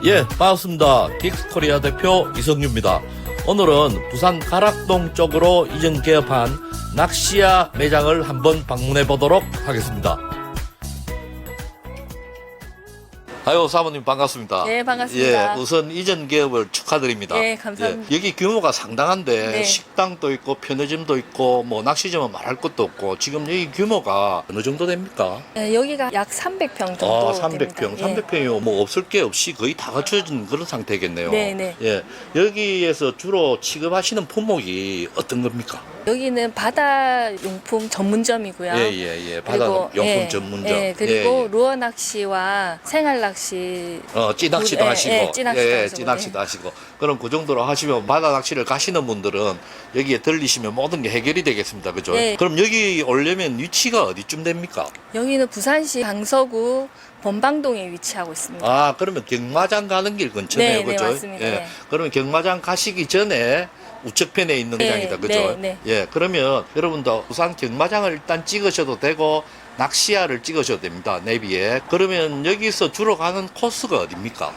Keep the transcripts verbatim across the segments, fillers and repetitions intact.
예, 반갑습니다. 긱스코리아 대표 이성규입니다. 오늘은 부산 가락동 쪽으로 이전 개업한 낚시야 매장을 한번 방문해 보도록 하겠습니다. 아유, 사모님 반갑습니다. 네, 반갑습니다. 예, 우선 이전 개업을 축하드립니다. 네, 감사합니다. 예, 여기 규모가 상당한데 네. 식당도 있고 편의점도 있고 뭐 낚시점은 말할 것도 없고 지금 여기 규모가 어느 정도 됩니까? 네, 여기가 약 삼백 평 정도 아, 삼백 평. 됩니다. 삼백 평이요. 뭐 없을 게 없이 거의 다 갖춰진 그런 상태겠네요. 네, 네. 예. 여기에서 주로 취급하시는 품목이 어떤 겁니까? 예. 여기는 바다 용품 전문점이고요. 예, 예, 예. 바다 용품 예, 전문점. 예, 그리고 예, 예. 루어 낚시와 생활 낚시. 어, 찌낚시도 예, 하시고. 예, 찌낚시도 예, 하시고, 찌낚시도 예. 하시고. 그럼 그 정도로 하시면 바다 낚시를 가시는 분들은 여기에 들리시면 모든 게 해결이 되겠습니다. 그죠? 예. 그럼 여기 오려면 위치가 어디쯤 됩니까? 여기는 부산시 강서구 범방동에 위치하고 있습니다. 아, 그러면 경마장 가는 길 근처네요. 네, 네, 그죠? 맞습니다. 예. 네. 그러면 경마장 가시기 전에 우측편에 있는 네, 매장이다. 그죠? 네, 네. 예. 그러면 여러분도 부산 경마장을 일단 찍으셔도 되고 낚시야를 찍으셔도 됩니다. 내비에. 그러면 여기서 주로 가는 코스가 어딥니까?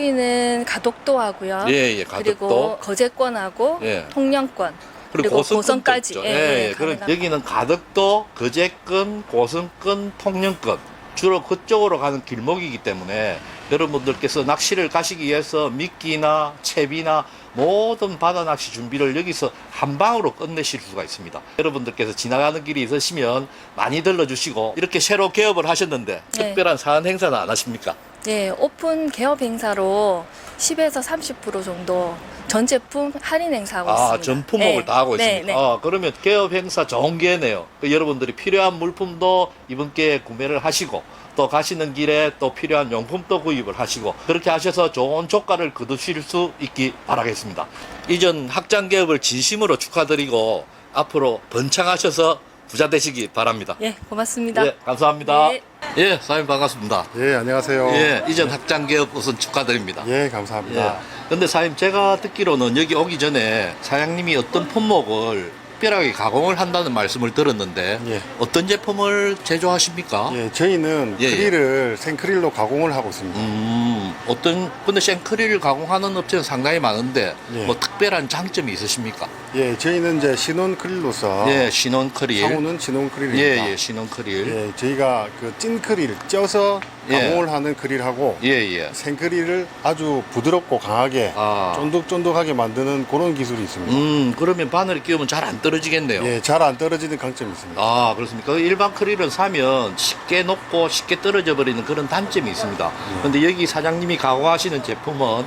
여기는 가덕도 하고요. 예, 예. 그리고 가덕도. 거제권하고 예. 통영권. 그리고, 그리고 고성권도 고성까지. 있죠. 예, 예, 예, 예. 그럼 가능합니다. 여기는 가덕도, 거제권, 고성권, 통영권. 주로 그쪽으로 가는 길목이기 때문에 여러분들께서 낚시를 가시기 위해서 미끼나 채비나 모든 바다 낚시 준비를 여기서 한 방으로 끝내실 수가 있습니다. 여러분들께서 지나가는 길이 있으시면 많이 들러주시고 이렇게 새로 개업을 하셨는데 네. 특별한 사안 행사는 안 하십니까? 네, 오픈 개업 행사로 십에서 삼십 퍼센트 정도 전 제품 할인 행사하고 있습니다. 아, 전 품목을 네. 다 하고 네, 있습니다. 네. 아, 그러면 개업 행사 좋은 기회네요. 그 여러분들이 필요한 물품도 이번 기회에 구매를 하시고 또 가시는 길에 또 필요한 용품도 구입을 하시고 그렇게 하셔서 좋은 조가를 거두실 수 있기 바라겠습니다. 이전 확장 개업을 진심으로 축하드리고 앞으로 번창하셔서 부자 되시기 바랍니다. 예, 고맙습니다. 예, 감사합니다. 네. 예, 사장님 반갑습니다. 예, 안녕하세요. 예, 이전 확장 개업 우선 축하드립니다. 예, 예. 감사합니다. 근데 사장님 제가 듣기로는 여기 오기 전에 사장님이 어떤 품목을 특별하게 가공을 한다는 말씀을 들었는데 예. 어떤 제품을 제조하십니까? 예, 저희는 예, 예. 크릴을 생크릴로 가공을 하고 있습니다. 음, 어떤 근데 생크릴을 가공하는 업체는 상당히 많은데 예. 뭐 특별한 장점이 있으십니까? 예, 저희는 이제 신혼 크릴로서 예, 신혼 크릴. 상호는 신혼 크릴입니다. 예, 예, 신혼 크릴. 예, 저희가 그 찐 크릴 쪄서 예. 가공을 하는 크릴하고 예, 예. 생크릴을 아주 부드럽고 강하게 아. 쫀득쫀득하게 만드는 그런 기술이 있습니다. 음, 그러면 바늘이 끼우면 잘 안 떨어지겠네요. 예, 잘 안 떨어지는 강점이 있습니다. 아, 그렇습니까? 일반 크릴은 사면 쉽게 녹고 쉽게 떨어져 버리는 그런 단점이 있습니다. 근데 여기 사장님이 가공하시는 제품은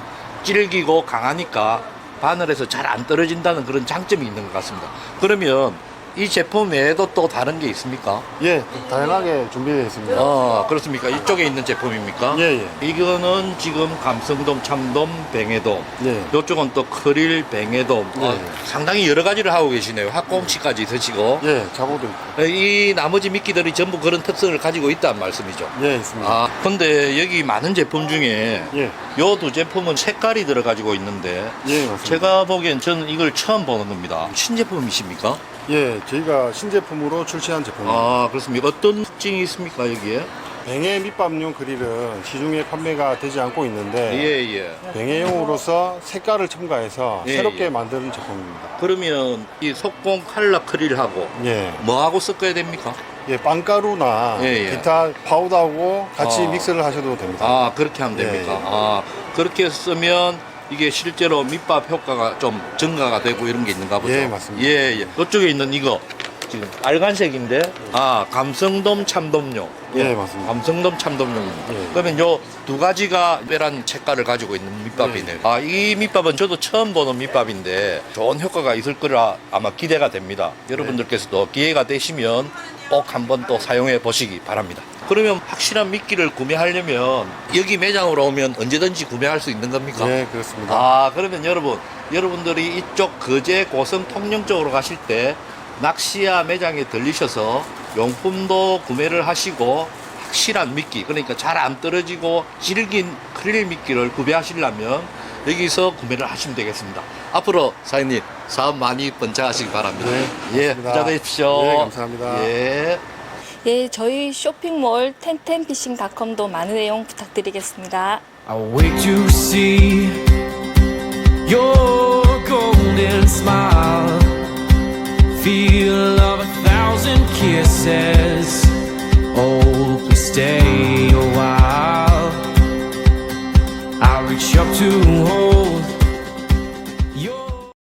질기고 강하니까 바늘에서 잘 안 떨어진다는 그런 장점이 있는 것 같습니다. 그러면 이 제품 외에도 또 다른 게 있습니까? 예, 다양하게 준비되어 있습니다. 아, 그렇습니까? 이쪽에 있는 제품입니까? 예, 예. 이거는 지금 감성돔, 참돔, 뱅에돔. 예. 이쪽은 또 크릴, 뱅에돔. 예. 아, 상당히 여러 가지를 하고 계시네요. 학꽁치까지 있으시고. 예, 자고도 있고. 이 나머지 미끼들이 전부 그런 특성을 가지고 있다는 말씀이죠. 예, 있습니다. 아, 근데 여기 많은 제품 중에 예, 요 두 제품은 색깔이 들어가지고 있는데 예, 맞습니다. 제가 보기엔 저는 이걸 처음 보는 겁니다. 신제품이십니까? 예, 저희가 신제품으로 출시한 제품입니다. 아, 그렇습니까? 어떤 특징이 있습니까, 여기에? 뱅에 밑밥용 그릴은 시중에 판매가 되지 않고 있는데 예, 예. 뱅에용으로서 색깔을 첨가해서 예, 새롭게 예. 만드는 제품입니다. 그러면 이 속공 칼라 크릴하고 예, 뭐하고 섞어야 됩니까? 예, 빵가루나 예, 예. 기타 파우더하고 같이 아. 믹스를 하셔도 됩니다. 아, 그렇게 하면 예, 됩니까? 예. 아, 그렇게 쓰면 이게 실제로 밑밥 효과가 좀 증가가 되고 이런 게 있는가 보죠? 예, 맞습니다. 예, 예. 이쪽에 있는 이거 지금 빨간색인데, 아, 감성돔 참돔용. 예, 맞습니다. 감성돔 참돔용입니다. 예. 그러면 요 두 가지가 특별한 색깔을 가지고 있는 밑밥이네요. 아, 이 밑밥은 저도 처음 보는 밑밥인데 좋은 효과가 있을 거라 아마 기대가 됩니다. 여러분들께서도 기회가 되시면 꼭 한번 또 사용해 보시기 바랍니다. 그러면 확실한 미끼를 구매하려면 여기 매장으로 오면 언제든지 구매할 수 있는 겁니까? 예, 그렇습니다. 아, 그러면 여러분, 여러분들이 이쪽 거제 고성 통영 쪽으로 가실 때 낚시야 매장에 들리셔서 용품도 구매를 하시고 확실한 미끼, 그러니까 잘 안 떨어지고 질긴 크릴 미끼를 구매하시려면 여기서 구매를 하시면 되겠습니다. 앞으로 사장님 사업 많이 번창하시기 바랍니다. 네, 예, 고맙습니다. 부자 되십시오. 예, 감사합니다. 예. 예, 저희 쇼핑몰 텐텐피싱닷컴도 많은 내용 부탁드리겠습니다. I wait to see your golden smile, feel of a thousand kisses. Oh, please stay a while. I reach up to